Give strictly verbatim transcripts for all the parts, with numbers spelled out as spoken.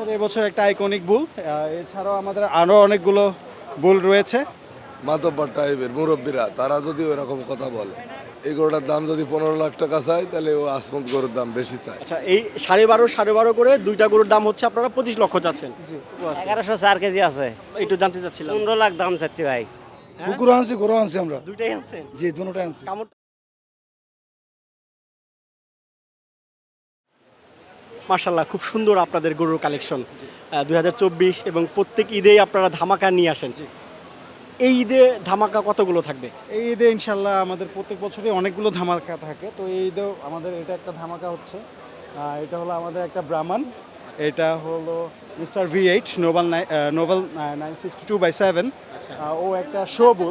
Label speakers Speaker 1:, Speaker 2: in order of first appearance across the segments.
Speaker 1: আমাদের এবছর একটা আইকনিক বুল, এছাড়াও আমাদের আরও অনেকগুলো বুল রয়েছে।
Speaker 2: মাতব্বর টাইপের মুরব্বীরা তারা যদি ওইরকম কথা বলে, এই গরুটার দাম যদি পনেরো লাখ টাকা চায় তাহলে ও আসমত গরুর দাম বেশি চায়।
Speaker 3: আচ্ছা, এই সাড়ে বারো সাড়ে বারো করে দুইটা গরুর দাম হচ্ছে আপনারা পঁচিশ লক্ষ চাচ্ছেন।
Speaker 1: জি।
Speaker 4: এগারোশো চার কেজি আছে,
Speaker 3: একটু জানতে চাচ্ছিলাম।
Speaker 4: পনেরো লাখ দাম চাচ্ছি ভাই।
Speaker 3: হ্যাঁ?
Speaker 5: কুকুর আনছি গরু আনছি আমরা,
Speaker 3: দুইটাই আনছেন?
Speaker 5: জি দুটোটাই আনছি।
Speaker 3: কেমন? মার্শাল্লাহ, খুব সুন্দর আপনাদের গরুর কালেকশন দুই হাজার চব্বিশ, এবং প্রত্যেক ঈদেই আপনারা ধামাকা নিয়ে আসেন। এই ঈদে ধামাকা কতগুলো থাকবে?
Speaker 1: এই ঈদে ইনশাল্লাহ আমাদের প্রত্যেক বছরই অনেকগুলো ধামাকা থাকে, তো এই ঈদেও আমাদের এটা একটা ধামাকা হচ্ছে। আহ, এটা হলো আমাদের একটা ব্রাহ্মণ, এটা হলো মিস্টার ভি এইট নোবেল নোবেল nine sixty two by seven. ও একটা শো বুল।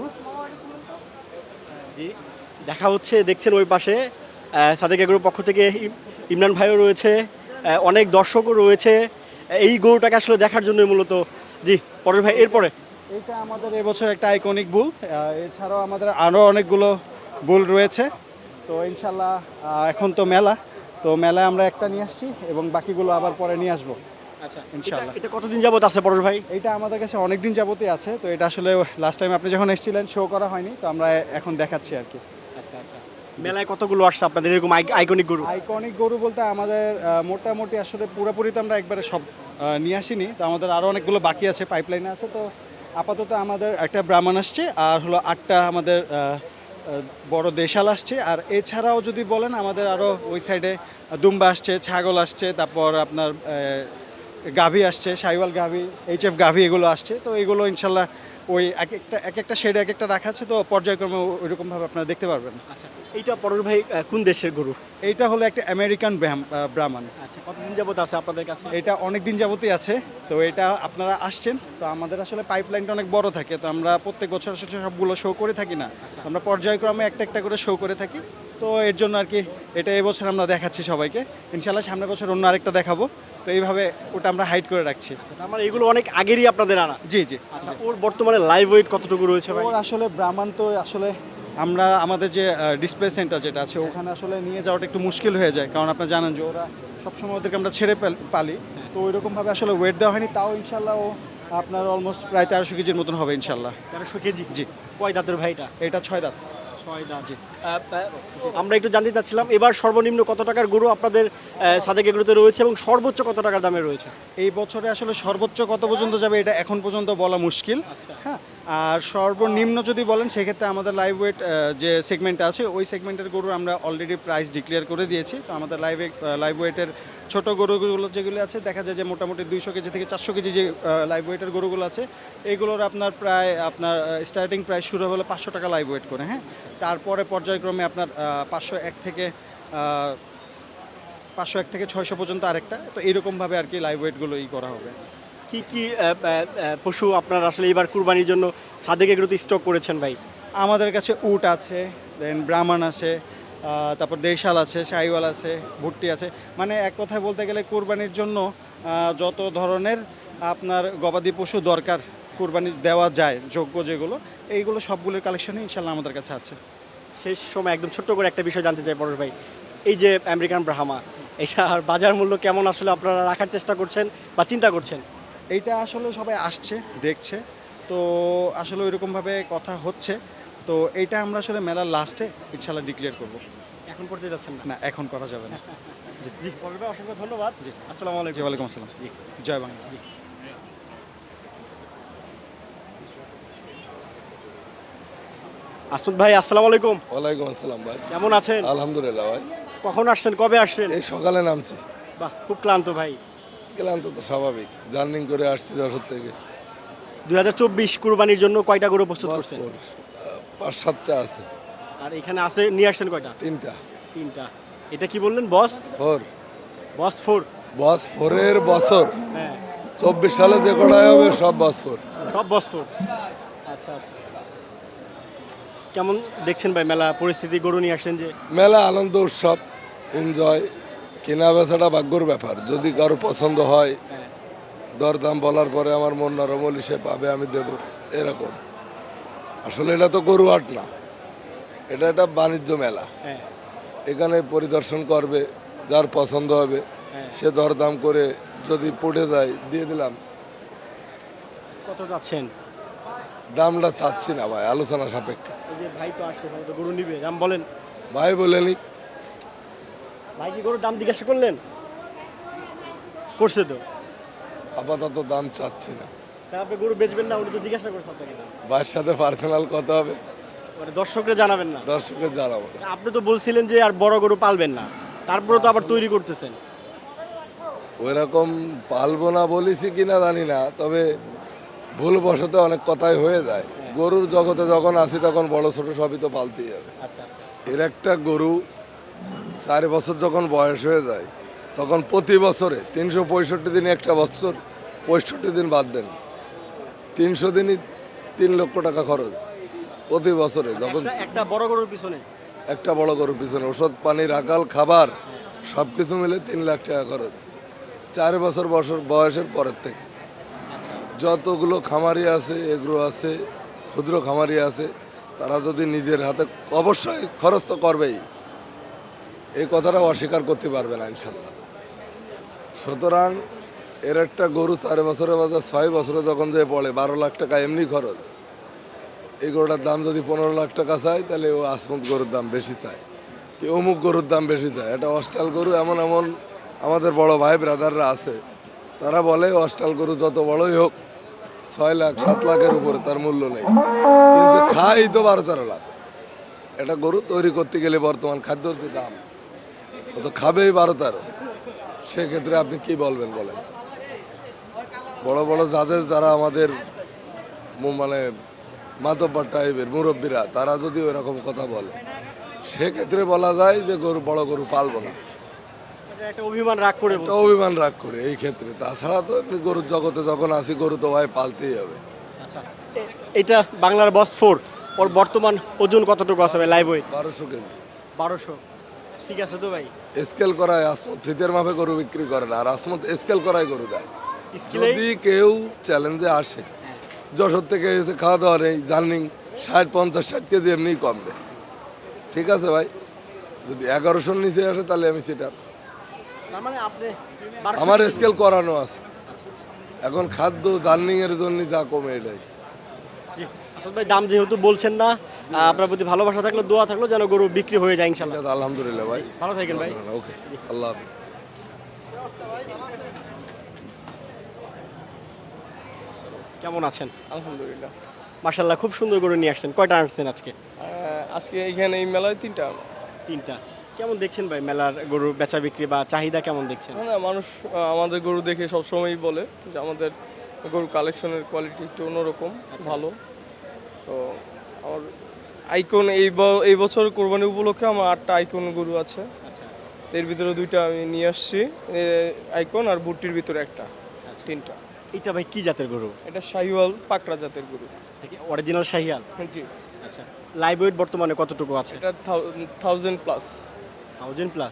Speaker 3: জি, দেখা হচ্ছে, দেখছেন ওই পাশে আহ, সাদেক এগুলোর পক্ষ থেকে ইম- ইমরান ভাইও রয়েছে, আহ, অনেক দর্শকও রয়েছে এই গরুটাকে আসলে দেখার জন্য মূলত। জি পরের ভাই, এরপরে
Speaker 1: এটা আমাদের এবছর একটা আইকনিক বুল, এছাড়াও আমাদের আরও অনেকগুলো বুল রয়েছে। তো ইনশাল্লাহ আহ, এখন তো মেলা, তো মেলায় আমরা একটা নিয়ে আসছি এবং বাকিগুলো আবার পরে নিয়ে আসবো
Speaker 3: আচ্ছা,
Speaker 1: ইনশাল্লাহ।
Speaker 3: এটা কতদিন যাবত আছে পরের ভাই?
Speaker 1: এটা আমাদের কাছে অনেক দিন যাবতই আছে, তো এটা আসলে লাস্ট টাইম আপনি যখন এসেছিলেন শো করা হয়নি, তো আমরা এখন দেখাচ্ছি আর কি।
Speaker 3: আচ্ছা আচ্ছা, মেলায় কতগুলো আসছে আপনাদের এরকম আইকনিক গরু?
Speaker 1: আইকনিক গরু বলতে আমাদের আহ, মোটামুটি আসলে পুরোপুরি তো আমরা একবারে সব আহ, নিয়ে আসিনি, তো আমাদের আরও অনেকগুলো বাকি আছে, পাইপলাইনে আছে। তো আপাতত আমাদের একটা ব্রাহ্মণ আসছে, আর হলো আটটা আমাদের আহ, আহ, বড় দেশাল আসছে। আর এছাড়াও যদি বলেন আমাদের আরও ওই সাইডে দুম্বা আসছে, ছাগল আসছে, তারপর আপনার আহ, গাভী আসছে, সাইওয়াল গাভী, এইচ এফ গাভী, এগুলো আসছে। তো এগুলো ইনশাল্লাহ ওই এক একটা এক একটা শেডে এক একটা রাখা আছে, তো পর্যায়ক্রমে ওইরকমভাবে আপনারা দেখতে পারবেন।
Speaker 3: আচ্ছা, এইটা পরের ভাই আহ, কোন দেশের গরু?
Speaker 1: এইটা হলো একটা আমেরিকান ব্রাহ্ম- আহ, ব্রাহ্মণ।
Speaker 3: আচ্ছা, কতদিন যাবত আছে আপনাদের কাছে?
Speaker 1: এটা অনেক দিন যাবতই আছে, তো এটা আপনারা আসছেন, তো আমাদের আসলে পাইপলাইনটা অনেক বড় থাকে, তো আমরা প্রত্যেক বছর আসলে সবগুলো শো করে থাকি না, তো আমরা পর্যায়ক্রমে একটা একটা করে শো করে থাকি। তো এর জন্য আর কি এটা এবছর আমরা দেখাচ্ছি সবাইকে, ইনশাল্লাহ সামনের বছর অন্য আরেকটা দেখাবো। তো এইভাবে ওটা আমরা হাইড করে রাখছি।
Speaker 3: তার মানে এগুলো অনেক আগেরই আপনাদের আনা?
Speaker 1: জি জি।
Speaker 3: আচ্ছা, ওর বর্তমানে লাইভ ওয়েট কতটুকু রয়েছে ভাই?
Speaker 1: ওর আসলে ব্রাহ্মণ তো আসলে আমরা আমাদের যে ডিসপ্লে সেন্টার যেটা আছে ওখানে আসলে নিয়ে যাওয়াটা একটু মুশকিল হয়ে যায়, কারণ আপনারা জানেন যে ওরা সবসময় ওদেরকে আমরা ছেড়ে পাল- পালি, তো ওই রকমভাবে আসলে ওয়েট দেওয়া হয়নি। তাও ইনশাল্লাহ ও আপনার অলমোস্ট প্রায় তেরোশো কেজির মতন হবে ইনশাল্লাহ।
Speaker 3: তেরোশো কেজি?
Speaker 1: জি।
Speaker 3: কয় দাঁতের ভাই এটা?
Speaker 1: এটা ছয় দাঁত।
Speaker 3: ছয় দাঁত। জি। আমরা একটু জানতে চাচ্ছিলাম এবার সর্বনিম্ন কত টাকার গরু আপনাদের আহ, সাদেক এগুলোতে রয়েছে, এবং সর্বোচ্চ কত টাকার দামে রয়েছে?
Speaker 1: এই বছরে আসলে সর্বোচ্চ কত পর্যন্ত যাবে এটা এখন পর্যন্ত বলা মুশকিল। হ্যাঁ, আর সর্বনিম্ন যদি বলেন সেক্ষেত্রে আমাদের লাইভ ওয়েট যে সেগমেন্ট আছে ওই সেগমেন্টের গরু আমরা অলরেডি প্রাইস ডিক্লেয়ার করে দিয়েছি। তো আমাদের লাইভ লাইভ ওয়েটের ছোটো গরুগুলো যেগুলো আছে দেখা যায় যে মোটামুটি দুইশো কেজি থেকে চারশো কেজি যে লাইভ ওয়েটের গরুগুলো আছে এইগুলোর আপনার প্রায় আপনার স্টার্টিং প্রাইস শুরু হলো পাঁচশো টাকা লাইভ ওয়েট করে। হ্যাঁ, তারপরে পর্যায়ক্রমে আপনার পাঁচশো এক থেকে পাঁচশো এক থেকে ছয়শো পর্যন্ত আরেকটা, তো এইরকমভাবে আর কি লাইভ ওয়েটগুলো ই করা হবে।
Speaker 3: কি কি আহ, আহ, আহ, পশু আপনারা আসলে এবার কুরবানির জন্য সাদেক এগুলোতে স্টক করেছেন ভাই?
Speaker 1: আমাদের কাছে উট আছে, দেন ব্রাহ্মণ আছে, আহ, তারপর দেশাল আছে, শাহিওয়াল আছে, ভুট্টি আছে। মানে এক কথায় বলতে গেলে কুরবানির জন্য আহ, যত ধরনের আপনার গবাদি পশু দরকার কুরবানি দেওয়া যায় যোগ্য যেগুলো, এইগুলো সবগুলোর কালেকশনই ইনশাল্লাহ আমাদের কাছে আছে।
Speaker 3: শেষ সময় একদম ছোট্ট করে একটা বিষয় জানতে চাই পরেশ ভাই, এই যে আমেরিকান ব্রাহ্মা, এটার বাজার মূল্য কেমন আসলে আপনারা রাখার চেষ্টা করছেন বা চিন্তা করছেন?
Speaker 1: এইটা আসলে সবাই আসছে দেখছে, তো আসলে ওইরকমভাবে কথা হচ্ছে, তো এইটা আমরা আসলে মেলার লাস্টে ইনশাল্লাহ ডিক্লেয়ার করব।
Speaker 3: এখন করতে যাচ্ছেন না?
Speaker 1: না, এখন করা যাবে না।
Speaker 3: জি জি, পরেশ ভাই অসংখ্য ধন্যবাদ। জি, আসসালামু
Speaker 1: জি,
Speaker 3: আলাইকুম।
Speaker 1: ওয়ালাইকুম আসসালাম।
Speaker 3: জি।
Speaker 1: জয় বাংলা।
Speaker 3: জি। আসুদ ভাই, আসসালামু আলাইকুম।
Speaker 2: ওয়ালাইকুম আসসালাম ভাই,
Speaker 3: কেমন আছেন?
Speaker 2: আলহামদুলিল্লাহ ভাই।
Speaker 3: কখন আসছেন, কবে আসছেন?
Speaker 2: এই সকালে নামছি।
Speaker 3: বাহ, খুব ক্লান্ত ভাই।
Speaker 2: গেলাম তো তো স্বাভাবিক, জার্নিং করে আসছি যশোর থেকে।
Speaker 3: দুই হাজার চব্বিশ কুরবানির জন্য কয়টা গরু প্রস্তুত করছেন?
Speaker 2: পাঁচ পাঁচ সাতটা আছে।
Speaker 3: আর এখানে আছে নিয়ে আসছেন কয়টা?
Speaker 2: তিনটা।
Speaker 3: তিনটা। এটা কি বললেন, বস?
Speaker 2: ফোর।
Speaker 3: বস ফোর?
Speaker 2: বস ফোরের বছর
Speaker 3: হ্যাঁ,
Speaker 2: চব্বিশ সালে যে কটাই হবে সব বস ফোর।
Speaker 3: সব বস ফোর। আচ্ছা আচ্ছা। কেমন দেখছেন ভাই মেলা পরিস্থিতি? গরু নিয়ে আসছেন যে।
Speaker 2: মেলা আনন্দ উৎসব, এনজয়। কেনা বেচাটা ভাগ্যর ব্যাপার, যদি কারো পছন্দ হয়
Speaker 3: হ্যাঁ।
Speaker 2: দরদাম বলার পরে আমার মন নরমলি সে পাবে, আমি দেব, এরকম। আসলে এটা তো গরু হাট না, এটা একটা বাণিজ্য মেলা।
Speaker 3: হ্যাঁ।
Speaker 2: এখানে পরিদর্শন করবে, যার পছন্দ হবে
Speaker 3: হ্যাঁ।
Speaker 2: সে দরদাম করে যদি পড়ে যায় দিয়ে দিলাম।
Speaker 3: কত যাচ্ছেন?
Speaker 2: দামটা চাচ্ছি না ভাই, আলোচনা সাপেক্ষে।
Speaker 3: ওই যে ভাই তো আসছে, ভাই তো গরু নিবে, দাম বলেন।
Speaker 2: ভাই বলেনি।
Speaker 3: ভাই কি গরুর দাম জিজ্ঞাসা করলেন? করছে তো।
Speaker 2: আপাতত দাম চাচ্ছি না।
Speaker 3: তা আপনি গরু বেচবেন না, উনি তো জিজ্ঞাসা করছে আপনাকে দাম।
Speaker 2: ভাইয়ের সাথে পার্সোনাল কথা হবে,
Speaker 3: মানে দর্শকরা জানাবেন না?
Speaker 2: দর্শকের জানাবো না।
Speaker 3: আপনি তো বলছিলেন যে আর বড় গরু পালবেন না, তারপরে তো আবার তৈরি করতেছেন।
Speaker 2: ওইরকম পালবো না বলেছি কিনা জানি না, তবে ভুল বশতে অনেক কথাই হয়ে যায়। গরুর জগতে যখন আসি তখন বড় ছোট সবই তো পালতেই হবে।
Speaker 3: আচ্ছা আচ্ছা।
Speaker 2: এর একটা গরু চার বছর যখন বয়স হয়ে যায় তখন প্রতি বছরে তিনশো পঁয়ষট্টি দিনে একটা বছর পঁয়ষট্টি দিন বাদ দেন, তিনশো দিনই তিন লক্ষ টাকা খরচ প্রতি বছরে। যখন
Speaker 3: একটা- একটা বড় গরুর পিছনে
Speaker 2: একটা বড় গরুর পিছনে ওষুধ পানি রাখাল খাবার সব কিছু মিলে তিন লাখ টাকা খরচ চার বছর বছর বয়সের পরের থেকে। যতগুলো খামারি আছে এগুলো আছে, ক্ষুদ্র খামারি আছে, তারা যদি নিজের হাতে অবশ্যই খরচ তো করবেই, এই কথাটা অস্বীকার করতে পারবে না ইনশাল্লাহ। সুতরাং এর একটা গরু চার বছরের বাজার ছয় বছরে যখন যে পড়ে বারো লাখ টাকা এমনি খরচ, এই গরুটার দাম যদি পনেরো লাখ টাকা চায় তাহলে ও আসমত গরুর দাম বেশি চায়, কি অমুক গরুর দাম বেশি চায়। এটা অস্টাল গরু এমন এমন আমাদের বড় ভাই ব্রাদাররা আছে, তারা বলে অস্টাল গরু যত বড়ই হোক ছয় লাখ সাত লাখের উপরে তার মূল্য নেই, কিন্তু খাই তো বারো তেরো লাখ। এটা গরু তৈরি করতে গেলে বর্তমান খাদ্যর যে দাম, ও তো খাবেই বারো তেরো। সেক্ষেত্রে আপনি কি বলবেন বলেন? বড় বড় যাদের যারা আমাদের মু- মানে মাতব্বর টাইপের মুরব্বীরা, তারা যদি ওইরকম কথা বলে সেক্ষেত্রে বলা যায় যে গরু বড় গরু পালবো না,
Speaker 3: এটা একটা অভিমান রাগ করে
Speaker 2: একটা অভিমান রাগ করে এই ক্ষেত্রে। তাছাড়া তো এমনি গরুর জগতে যখন আসি গরু তো ভাই পালতেই হবে।
Speaker 3: আচ্ছা, এ- এটা বাংলার বস ফোর, ওর বর্তমান ওজন কতটুকু আছে ভাই লাইভ ওয়েট?
Speaker 2: বারোশো কেজি
Speaker 3: বারোশো। ঠিক আছে তো ভাই,
Speaker 2: স্কেল করায় আসমত ফিতের মাপে গরু বিক্রি করে না, আর আসমত স্কেল করায় গরু দেয়।
Speaker 3: স্কেলেই
Speaker 2: যদি কেউ চ্যালেঞ্জে আসে, যশোর থেকে এসে খাওয়া দাওয়া নেই, জার্নিং ষাট পঞ্চাশ ষাট কেজি এমনি কমবে, ঠিক আছে ভাই। যদি এগারোশোর নিচে আসে তাহলে আমি সেটা,
Speaker 3: তার মানে আপনি বারোশো
Speaker 2: আমার
Speaker 3: কেজি।
Speaker 2: স্কেল করানো আছে। এখন খাদ্য জার্নিং এর জন্য যা কমে এটাই।
Speaker 3: জি, আসল ভাই দাম যেহেতু বলছেন না, আহ, আপনার প্রতি ভালোবাসা থাকলো, দোয়া থাকলো যেন গরু বিক্রি হয়ে যায় ইনশাল্লাহ।
Speaker 2: ঠিক আছে, আলহামদুলিল্লাহ ভাই,
Speaker 3: ভালো থাকেন ভাই।
Speaker 2: ওকে, আল্লাহ হাফিজ।
Speaker 3: কেমন আছেন?
Speaker 5: আলহামদুলিল্লাহ।
Speaker 3: মাশাল্লাহ, খুব সুন্দর গরু নিয়ে আসছেন। কয়টা আনছেন আজকে?
Speaker 5: আহ, আজকে এইখানে এই মেলায় তিনটা।
Speaker 3: তিনটা। কেমন দেখছেন ভাই মেলার গরু বেচা বিক্রি বা চাহিদা কেমন দেখছেন?
Speaker 5: না না, মানুষ আহ, আমাদের গরু দেখে সবসময়ই বলে যে আমাদের গরু কালেকশনের কোয়ালিটি একটু অন্যরকম, ভালো। তো আমার আইকন এই ব- এই বছর কোরবানি উপলক্ষে আমার আটটা আইকন গরু আছে।
Speaker 3: আচ্ছা
Speaker 5: তো এর ভিতরে দুইটা আমি নিয়ে আসছি, এ, আইকন আর বুটটির ভিতরে একটা, তিনটা।
Speaker 3: এটা ভাই কি জাতের গরু?
Speaker 5: এটা শাহিওয়াল পাকড়া জাতের গরু।
Speaker 3: অরিজিনাল শাহিয়াল?
Speaker 5: জি,
Speaker 3: আচ্ছা, লাইভ ওয়েট বর্তমানে কতটুকু আছে?
Speaker 5: এটা থাউজেন্ড প্লাস।
Speaker 3: Thousand plus.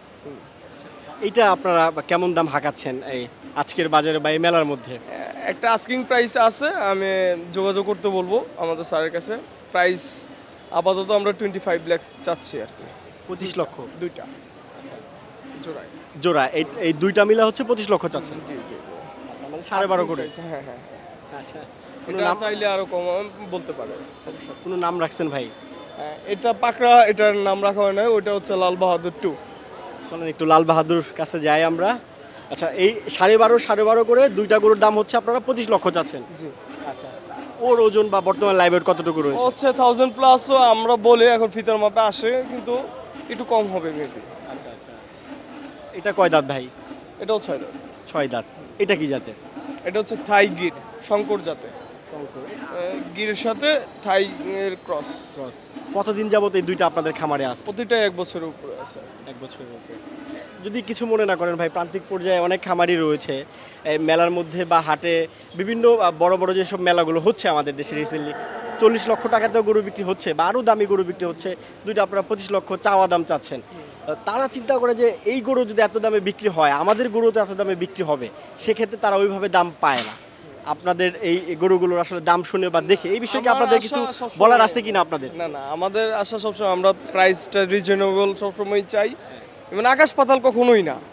Speaker 3: এইটা আপনারা বা কেমন দাম হাঁকাচ্ছেন এই আজকের বাজারে বা এই মেলার মধ্যে?
Speaker 5: একটা আস্কিং প্রাইস আছে, আমি যোগাযোগ করতে বলবো আমাদের স্যারের কাছে। প্রাইস আপাতত আমরা টোয়েন্টি ফাইভ ল্যাক্স চাচ্ছি আর কি,
Speaker 3: পঁচিশ লক্ষ
Speaker 5: দুইটা জোড়ায়।
Speaker 3: জোড়া। এই এই দুইটা মিলা হচ্ছে পঁচিশ লক্ষ চাচ্ছেন?
Speaker 5: জি জি জি।
Speaker 3: মানে সাড়ে বারো করে।
Speaker 5: Asking price, হ্যাঁ হ্যাঁ।
Speaker 3: আচ্ছা, কোনো
Speaker 5: এটা
Speaker 3: নাম
Speaker 5: চাইলে আরো কম বলতে পারে, সমস্যা নেই।
Speaker 3: কোনো নাম রাখছেন ভাই?
Speaker 5: হ্যাঁ, এটা পাকড়া, এটার নাম রাখা হয় না, ওইটা হচ্ছে লাল বাহাদুর টু।
Speaker 3: চলেন একটু লাল বাহাদুর কাছে যাই আমরা। আচ্ছা, এই সাড়ে বারো সাড়ে বারো করে দুইটা গরুর দাম হচ্ছে আপনারা পঁচিশ লক্ষ চাচ্ছেন?
Speaker 5: জি।
Speaker 3: আচ্ছা, ওর ওজন বা বর্তমান লাইভ ওয়েট কতটুকু
Speaker 5: ও
Speaker 3: রয়েছে?
Speaker 5: হচ্ছে থাউজেন্ড প্লাসও আমরা বলে এখন ফিতার মাপে আসে, কিন্তু একটু কম হবে মেবি।
Speaker 3: আচ্ছা আচ্ছা, এটা কয় দাঁত ভাই?
Speaker 5: এটাও ছয় দাম।
Speaker 3: ছয় দাঁত। এটা কি জাতের?
Speaker 5: এটা হচ্ছে থাই গির, শঙ্কর জাতে। আহ, গিরের সাথে থাই এর ক্রস।
Speaker 3: কতদিন যাবত এই দুইটা আপনাদের খামারে আছে?
Speaker 5: প্রতিটাই এক বছরের উপরে আছে।
Speaker 3: এক বছরের মধ্যে। যদি কিছু মনে না করেন ভাই, প্রান্তিক পর্যায়ে অনেক খামারই রয়েছে এই মেলার মধ্যে বা হাটে, বিভিন্ন আহ, বড় বড় যেসব মেলাগুলো হচ্ছে আমাদের দেশে রিসেন্টলি, চল্লিশ লক্ষ টাকাতেও গরু বিক্রি হচ্ছে বা আরও দামি গরু বিক্রি হচ্ছে, দুইটা আপনারা পঁচিশ লক্ষ চাওয়া দাম চাচ্ছেন। আহ, তারা চিন্তা করে যে এই গরু যদি এত দামে বিক্রি হয়, আমাদের গরু তো এত দামে বিক্রি হবে, সেক্ষেত্রে তারা ওইভাবে দাম পায় না। আপনাদের এই এই গরুগুলোর আসলে দাম শুনে বা দেখে এই বিষয়ে কি
Speaker 5: আমার
Speaker 3: আপনাদের
Speaker 5: আশা
Speaker 3: কিছু
Speaker 5: সবসময়-
Speaker 3: বলার আছে কিনা আপনাদের?
Speaker 5: না না, আমাদের আশা সবসময় আমরা প্রাইসটা রিজনেবল সবসময় চাই, মানে আকাশ পাতাল কখনোই না।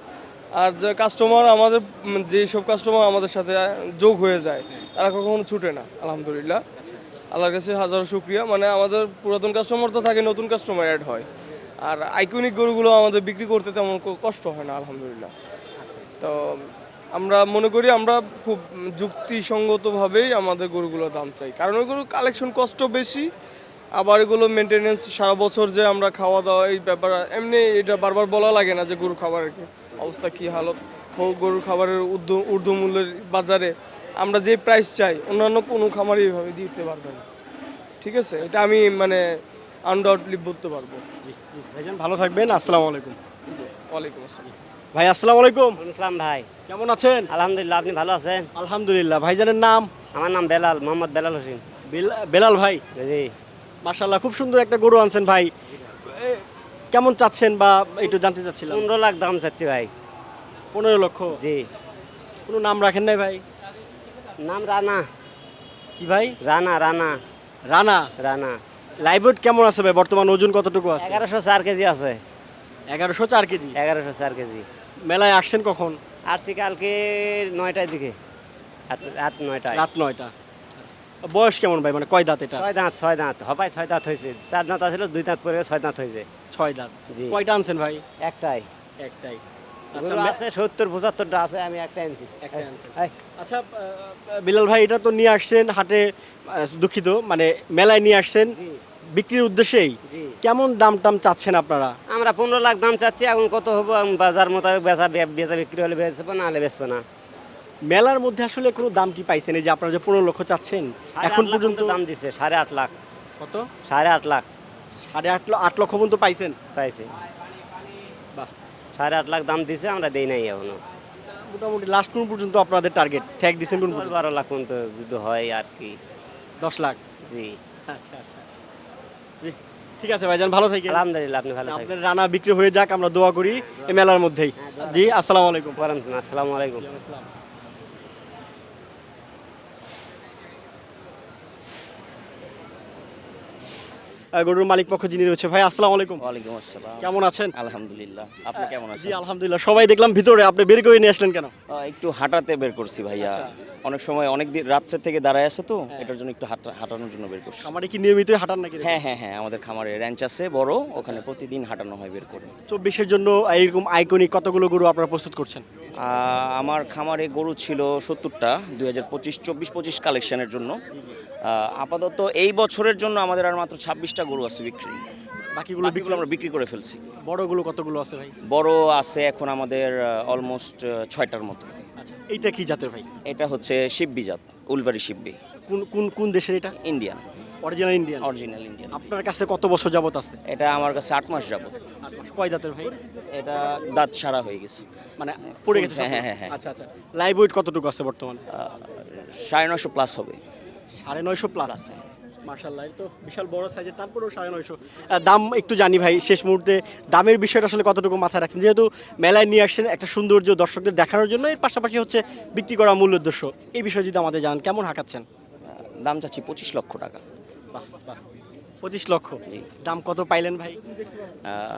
Speaker 5: আর যে কাস্টমার আমাদের উম, যেসব কাস্টমার আমাদের সাথে যোগ হয়ে যায় তারা কখনো ছুটে না আলহামদুলিল্লাহ। আল্লাহর কাছে হাজারো শুক্রিয়া। মানে আমাদের পুরাতন কাস্টমার তো থাকে, নতুন কাস্টমার অ্যাড হয়। আর আইকনিক গরুগুলো আমাদের বিক্রি করতে তেমন কো- কষ্ট হয় না আলহামদুলিল্লাহ। তো আমরা মনে করি আমরা খুব যুক্তিসঙ্গতভাবেই আমাদের গরুগুলোর দাম চাই, কারণ ওই গরু কালেকশন কষ্ট বেশি, আবার এগুলো মেনটেনেন্স সারা বছর যে আমরা খাওয়া দাওয়া এই ব্যাপার এমনি এটা বারবার বলা লাগে না যে গরু খাবারের কি অবস্থা কী হালত। ও- গরুর খাবারের ঊর্ধ্ব ঊর্ধ্বমূল্যের বাজারে আমরা যে প্রাইস চাই অন্যান্য কোনো খামারই এইভাবে দিতে পারবে না। ঠিক আছে, এটা আমি মানে আনডাউটলি বলতে পারবো।
Speaker 3: ভাইজান ভালো থাকবেন, আসসালামু আলাইকুম।
Speaker 5: ওয়ালাইকুম আসসালাম।
Speaker 3: ভাই আসসালামু আলাইকুম,
Speaker 4: ইসলাম ভাই,
Speaker 3: কেমন আছেন?
Speaker 4: আলহামদুলিল্লাহ। আপনি ভালো আছেন?
Speaker 3: আলহামদুলিল্লাহ। ভাইজানের নাম?
Speaker 4: আমার নাম বেলাল, মোহাম্মদ বেলাল হোসেন।
Speaker 3: বেলা- বেলাল ভাই,
Speaker 4: জি,
Speaker 3: মাশাআল্লাহ খুব সুন্দর একটা গরু আনছেন ভাই। এ, কেমন চাচ্ছেন বা একটু জানতে চাচ্ছিলাম।
Speaker 4: পনেরো লাখ দাম চাচ্ছি ভাই।
Speaker 3: পনেরো লক্ষ?
Speaker 4: জি।
Speaker 3: কোনো নাম রাখেন নাই ভাই?
Speaker 4: নাম রানা।
Speaker 3: কি ভাই?
Speaker 4: রানা রানা
Speaker 3: রানা।
Speaker 4: রানা।
Speaker 3: লাইভ ওয়েট কেমন আছে ভাই? বর্তমান ওজন কতটুকু আছে?
Speaker 4: এগারোশো চার কেজি আছে।
Speaker 3: এগারোশো চার কেজি।
Speaker 4: এগারোশো চার কেজি।
Speaker 3: মেলায় আসছেন কখন?
Speaker 4: আসছি কালকে নয়টার দিকে, রাত- রাত নয়টায়।
Speaker 3: রাত নয়টা। বয়স কেমন ভাই, মানে কয় দাঁত এটা?
Speaker 4: ছয় দাঁত, ছয় দাঁত হবাই, ছয় দাঁত হয়েছে। চার দাঁত আছিল, দুই দাঁত পরে ছয় দাঁত হয়েছে।
Speaker 3: ছয় দাঁত।
Speaker 4: জি।
Speaker 3: কয়টা আনছেন ভাই?
Speaker 4: একটাই।
Speaker 3: একটাই।
Speaker 4: গরু
Speaker 3: আচ্ছা মে-
Speaker 4: আছে সত্তর পঁচাত্তরটা আছে, আমি একটা আনছি।
Speaker 3: একটাই আনছেন।
Speaker 4: এই,
Speaker 3: আচ্ছা আহ, বিলাল ভাই, এটা তো নিয়ে আসছেন হাটে, আহ, দুঃখিত মানে মেলায় নিয়ে আসছেন
Speaker 4: জি,
Speaker 3: বিক্রির উদ্দেশ্যেই।
Speaker 4: জি।
Speaker 3: কেমন দাম টাম চাচ্ছেন আপনারা?
Speaker 4: আমরা পনেরো লাখ দাম চাচ্ছি, এখন কত হবো আমি বাজার মোতাবেক বেচা বে- বেচা বিক্রি হলে বেচবো, না হলে বেচবো না।
Speaker 3: মেলার মধ্যে আসলে কোনো দাম কি পাইছেন, এই যে আপনারা যে পনেরো লক্ষ চাচ্ছেন
Speaker 4: সাড়ে
Speaker 3: এখন
Speaker 4: আট লাখ
Speaker 3: পর্যন্ত?
Speaker 4: পর্যন্ত দাম দিচ্ছে, সাড়ে আট লাখ।
Speaker 3: কত?
Speaker 4: সাড়ে আট লাখ
Speaker 3: সাড়ে আট লক্ষ আট লক্ষ পর্যন্ত পাইছেন?
Speaker 4: পাইছে।
Speaker 3: বাহ,
Speaker 4: সাড়ে আট লাখ দাম দিছে, আমরা দেই নাই এখনো।
Speaker 3: মোটামুটি লাস্ট কোন পর্যন্ত আপনাদের টার্গেট ঠেক দিচ্ছেন কোন
Speaker 4: দশ
Speaker 3: পর্যন্ত?
Speaker 4: বারো লাখ পর্যন্ত যদি হয় আর কি।
Speaker 3: দশ লাখ।
Speaker 4: জি,
Speaker 3: আচ্ছা আচ্ছা, জি ঠিক আছে ভাইজান, ভালো থাকেন।
Speaker 4: আলহামদুলিল্লাহ। আপনি ভালো থাকবেন।
Speaker 3: আপনার রানা বিক্রি হয়ে যাক, আমরা দোয়া করি এই মেলার মধ্যেই। জি, আসসালামু আলাইকুম।
Speaker 4: আসসালামু আলাইকুম।
Speaker 3: আহ, গরুর মালিক পক্ষ যিনি রয়েছে, ভাই আসসালামু আলাইকুম,
Speaker 6: ওয়ালাইকুম আসসালাম।
Speaker 3: কেমন আছেন?
Speaker 6: আলহামদুলিল্লাহ। আপনি কেমন
Speaker 3: জি
Speaker 6: আছেন?
Speaker 3: আলহামদুলিল্লাহ। সবাই দেখলাম ভিতরে, আপনি বের করে নিয়ে আসলেন কেন?
Speaker 6: আহ, একটু হাঁটাতে বের করছি ভাইয়া। অনেক সময় অনেক দিন রাত্রে থেকে দাঁড়ায় আছে তো, এটার জন্য একটু হাঁটা- হাঁটানোর জন্য বের করছি।
Speaker 3: আমারে কি নিয়মিতই হাঁটান নাকি?
Speaker 6: হ্যাঁ হ্যাঁ হ্যাঁ, আমাদের খামারে র্যাঞ্চ আছে বড়, ওখানে প্রতিদিন হাঁটানো হয় বের করে।
Speaker 3: চব্বিশের জন্য এইরকম আইকনিক কতগুলো গরু আপনারা প্রস্তুত করছেন?
Speaker 6: আহ, আমার খামারে গরু ছিল সত্তরটা দুই হাজার পঁচিশ চব্বিশ পঁচিশ কালেকশনের জন্য। আহ, আপাতত এই বছরের জন্য আমাদের আর মাত্র ছাব্বিশটা গরু আছে বিক্রি।
Speaker 3: বাকিগুলো বিক্রি
Speaker 6: বাকিগুলো আমরা বিক্রি করে ফেলছি।
Speaker 3: বড়গুলো কতগুলো আছে ভাই?
Speaker 6: বড় আছে এখন আমাদের অলমোস্ট ছয়টার মতো।
Speaker 3: আচ্ছা, এইটা কি জাতের ভাই?
Speaker 6: এটা হচ্ছে শিব্বি জাত, উলভারি শিব্বি,
Speaker 3: কোন কোন কোন দেশের এটা?
Speaker 6: Indian,
Speaker 3: original Indian?
Speaker 6: Original Indian.
Speaker 3: আপনার কাছে কত বছর যাবত আছে?
Speaker 6: এটা আমার কাছে আট মাস যাবত।
Speaker 3: আট মাস। কয় দাঁতের ভাই?
Speaker 6: এটা দাঁত সারা হয়ে গেছে।
Speaker 3: মানে পড়ে গেছে সব?
Speaker 6: হ্যাঁ, হ্যাঁ, হ্যাঁ।
Speaker 3: আচ্ছা আচ্ছা। লাইভ ওয়েট কতটুকু আছে বর্তমানে?
Speaker 6: আহ, সাড়ে নশো প্লাস হবে।
Speaker 3: সাড়ে নয়শো প্লাস আছে। মার্শাল্লাহ, তো বিশাল বড় সাইজের, তারপরেও সাড়ে নয়শো। আহ, দাম একটু জানি ভাই শেষ মুহূর্তে, দামের বিষয়টা আসলে কতটুকু মাথায় রাখছেন, যেহেতু মেলায় নিয়ে আসছেন একটা সৌন্দর্য দর্শকদের দেখানোর জন্য, এর পাশাপাশি হচ্ছে বিক্রি করা মূল উদ্দেশ্য, এই বিষয়ে যদি আমাদের জানান কেমন হাঁকাচ্ছেন?
Speaker 6: আহ, দাম চাচ্ছি পঁচিশ লক্ষ টাকা।
Speaker 3: বাহ বাহ, পঁচিশ লক্ষ।
Speaker 6: জি।
Speaker 3: দাম কত পাইলেন ভাই?
Speaker 6: আহ,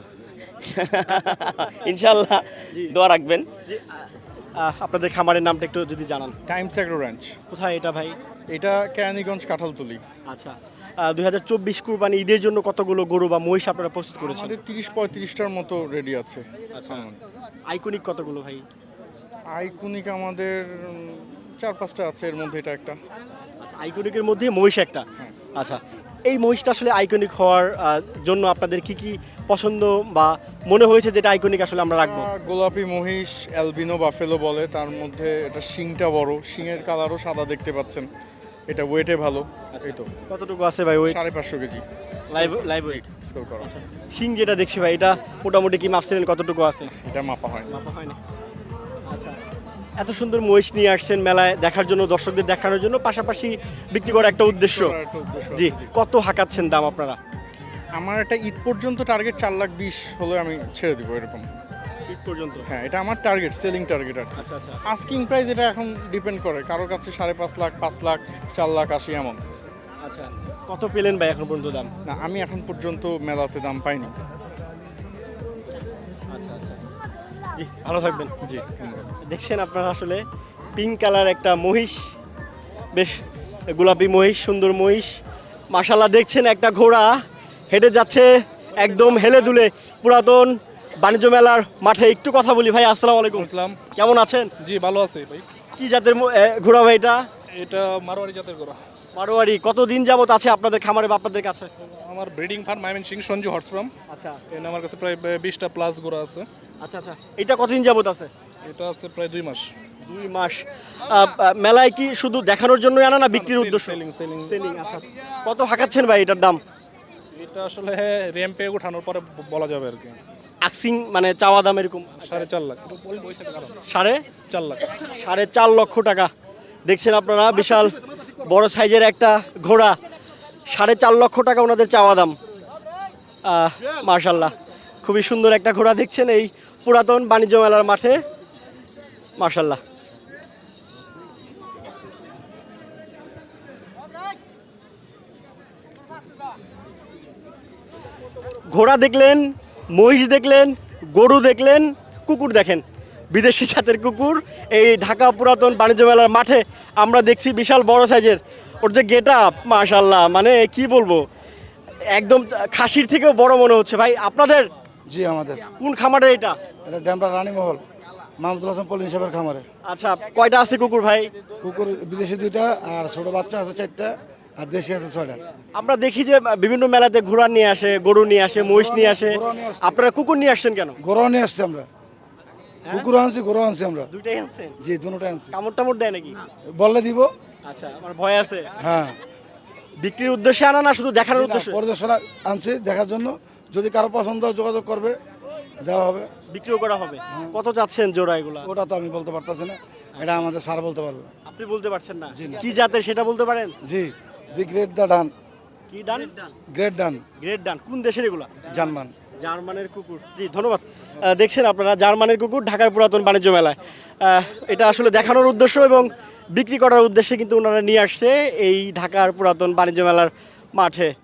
Speaker 6: ইনশাল্লাহ দোয়া রাখবেন।
Speaker 3: জি, আহ, আপনাদের খামারের নামটা একটু যদি জানান।
Speaker 7: টাইমস অ্যাগ্রো র্যাঞ্চ,
Speaker 3: কোথায় এটা ভাই?
Speaker 7: এটা কেরানীগঞ্জ কাঁঠালতলি।
Speaker 3: আচ্ছা, দুই হাজার চব্বিশ কুরবানি ঈদের জন্য কতগুলো গরু বা মহিষ আপনারা প্রস্তুত করেছেন?
Speaker 7: আমাদের তিরিশ পঁয়ত্রিশটার মতো রেডি আছে।
Speaker 3: আচ্ছা, আইকনিক কতগুলো ভাই?
Speaker 7: আইকনিক আমাদের উম, চার পাঁচটা আছে, এর মধ্যে এটা একটা।
Speaker 3: আচ্ছা, আইকনিকের মধ্যে মহিষ একটা। আচ্ছা, এই মহিষটা আসলে আইকনিক হওয়ার আহ, জন্য আপনাদের কি কি পছন্দ বা মনে হয়েছে যেটা আইকনিক আসলে আমরা রাখবো?
Speaker 7: আহ, গোলাপি মহিষ, অ্যালবিনো বাফেলো বলে, তার মধ্যে এটা শিংটা বড়, শিংয়ের কালারও সাদা দেখতে পাচ্ছেন, এটা ওয়েটে ভালো। এই তো
Speaker 3: কতটুকু আছে ভাই ওই?
Speaker 7: সাড়ে পাঁচশো KG
Speaker 3: live live weight.
Speaker 7: Scale করা,
Speaker 3: শিং যেটা দেখছি ভাই, এটা মোটামুটি কি মাপছিলেন কতটুকু আছে?
Speaker 7: এটা মাপা হয় না।
Speaker 3: মাপা হয়নি। আচ্ছা, এত সুন্দর মহিষ নিয়ে আসছেন মেলায় দেখার জন্য, দর্শকদের দেখানোর জন্য, পাশাপাশি বিক্রি করার একটা উদ্দেশ্য।
Speaker 7: করার একটা উদ্দেশ্য
Speaker 3: জি,
Speaker 7: আছে, জি।
Speaker 3: কত হাঁকাচ্ছেন দাম আপনারা?
Speaker 7: আমার একটা ঈদ পর্যন্ত টার্গেট চার লাখ বিশ হলে আমি ছেড়ে দিব এরকম।
Speaker 3: ঈদ পর্যন্ত?
Speaker 7: হ্যাঁ, এটা আমার টার্গেট, সেলিং টার্গেট আর কি।
Speaker 3: আচ্ছা আচ্ছা।
Speaker 7: আস্কিং প্রাইস এটা এখন ডিপেন্ড করে, কারোর কাছে সাড়ে পাঁচ লাখ, পাঁচ লাখ, চার লাখ আশি এমন।
Speaker 3: আচ্ছা, কত পেলেন ভাই এখন পর্যন্ত দাম?
Speaker 7: না, আমি এখন পর্যন্ত মেলাতে দাম পাইনি।
Speaker 3: আচ্ছা আচ্ছা, জি জি ভালো থাকবেন।
Speaker 7: জি
Speaker 3: দেখছেন আপনারা আসলে পিঙ্ক কালার একটা মহিষ, বেশ গোলাপি মহিষ, সুন্দর মহিষ মাশাল্লাহ। দেখছেন একটা ঘোড়া হেঁটে যাচ্ছে একদম হেলে দুলে পুরাতন বাণিজ্য মেলার মাঠে। একটু কথা বলি ভাই, আসসালামু আলাইকুম,
Speaker 8: ইসলাম।
Speaker 3: কেমন আছেন?
Speaker 8: জি ভালো আছে ভাই।
Speaker 3: কি জাতের ম- এ, ঘোড়া ভাই এটা?
Speaker 8: এটা মারোয়ারি জাতের গরু।
Speaker 3: মারোয়ারি। কতদিন যাবত আছে আপনাদের খামারে বা আপনাদের কাছে?
Speaker 8: আমার breeding farm Mymensingh Sanju horse farm.
Speaker 3: আচ্ছা
Speaker 8: এখানে আমার কাছে প্রায় বিশটা প্লাস গরু আছে।
Speaker 3: আচ্ছা আচ্ছা এটা কতদিন যাবত আছে?
Speaker 8: এটা আছে প্রায় দুই মাস।
Speaker 3: দুই মাস। আহ, আহ, মেলায় কি শুধু দেখানোর জন্য আনা না বিক্রির উদ্দেশ্য?
Speaker 8: Selling selling.
Speaker 3: সেলিং। আচ্ছা কত হাঁকাচ্ছেন ভাই এটার দাম?
Speaker 8: এটা আসলে র্যাম্পে উঠানোর পরে ব- বলা যাবে আর কি।
Speaker 3: আকসিং মানে চাওয়া দাম এরকম
Speaker 8: সাড়ে চার লাখ।
Speaker 3: সাড়ে
Speaker 8: চার লাখ।
Speaker 3: সাড়ে চার লক্ষ টাকা। দেখছেন আপনারা বিশাল বড় সাইজের একটা ঘোড়া, সাড়ে চার লক্ষ টাকা ওনাদের চাওয়া দাম। মার্শাল্লাহ, খুবই সুন্দর একটা ঘোড়া দেখছেন এই পুরাতন বাণিজ্য মেলার মাঠে। মার্শাল্লাহ। ঘোড়া দেখলেন, মহিষ দেখলেন, গরু দেখলেন, কুকুর দেখেন, বিদেশি জাতের কুকুর এই ঢাকা পুরাতন বাণিজ্য মেলার মাঠে আমরা দেখছি বিশাল বড় সাইজের। ওর যে গেট আপ মাশাল্লাহ, মানে কি বলবো, একদম খাসির থেকেও বড় মনে হচ্ছে। ভাই আপনাদের
Speaker 9: জি আমাদের
Speaker 3: কোন খামারের এটা?
Speaker 9: এটা ড্যামরা রানীমহল মাহমুদুল হাসান পলিন সাহেবের খামারে।
Speaker 3: আচ্ছা কয়টা আছে কুকুর ভাই?
Speaker 9: কুকুর বিদেশি দুইটা আর ছোট বাচ্চা আছে চারটা আর দেশি আছে ছয়টা।
Speaker 3: আমরা দেখি যে বিভিন্ন মেলাতে ঘোড়া নিয়ে আসে, গরু নিয়ে আসে, মহিষ নিয়ে আসে,
Speaker 9: ঘোড়া নিয়ে আসছে।
Speaker 3: আপনারা কুকুর নিয়ে আসছেন কেন?
Speaker 9: গরু নিয়ে আসছি আমরা, কুকুর আনছি গরু আনছি আমরা।
Speaker 3: দুইটাই আনছেন?
Speaker 9: জি দুটোটাই আনছি।
Speaker 3: কামড় টামড় দেয় নাকি?
Speaker 9: বললে দিব।
Speaker 3: আচ্ছা আমার ভয় আছে।
Speaker 9: হ্যাঁ
Speaker 3: বিক্রির উদ্দেশ্যে আনা না শুধু দেখানোর উদ্দেশ্যে?
Speaker 9: পরিদর্শনা আনছি দেখার জন্য, যদি কারো পছন্দ হয় যোগাযোগ করবে, দেওয়া হবে।
Speaker 3: বিক্রিও করা হবে। কত চাচ্ছেন জোড়া এগুলা?
Speaker 9: ওটা তো আমি বলতে পারতেছি না, এটা আমাদের স্যার বলতে পারবে।
Speaker 3: আপনি বলতে পারছেন না?
Speaker 9: জি না।
Speaker 3: কি জাতের সেটা বলতে পারেন?
Speaker 9: জি দি গ্রেট দা ডান।
Speaker 3: কি ডান?
Speaker 9: গ্রেট ডান
Speaker 3: গ্রেট ডান। কোন দেশের এগুলা?
Speaker 9: জার্মান।
Speaker 3: জার্মানের কুকুর। জি ধন্যবাদ। আহ, দেখছেন আপনারা জার্মানের কুকুর ঢাকার পুরাতন বাণিজ্য মেলায়। আহ, এটা আসলে দেখানোর উদ্দেশ্য এবং বিক্রি করার উদ্দেশ্যে কিন্তু ওনারা নিয়ে আসছে এই ঢাকার পুরাতন বাণিজ্য মেলার মাঠে।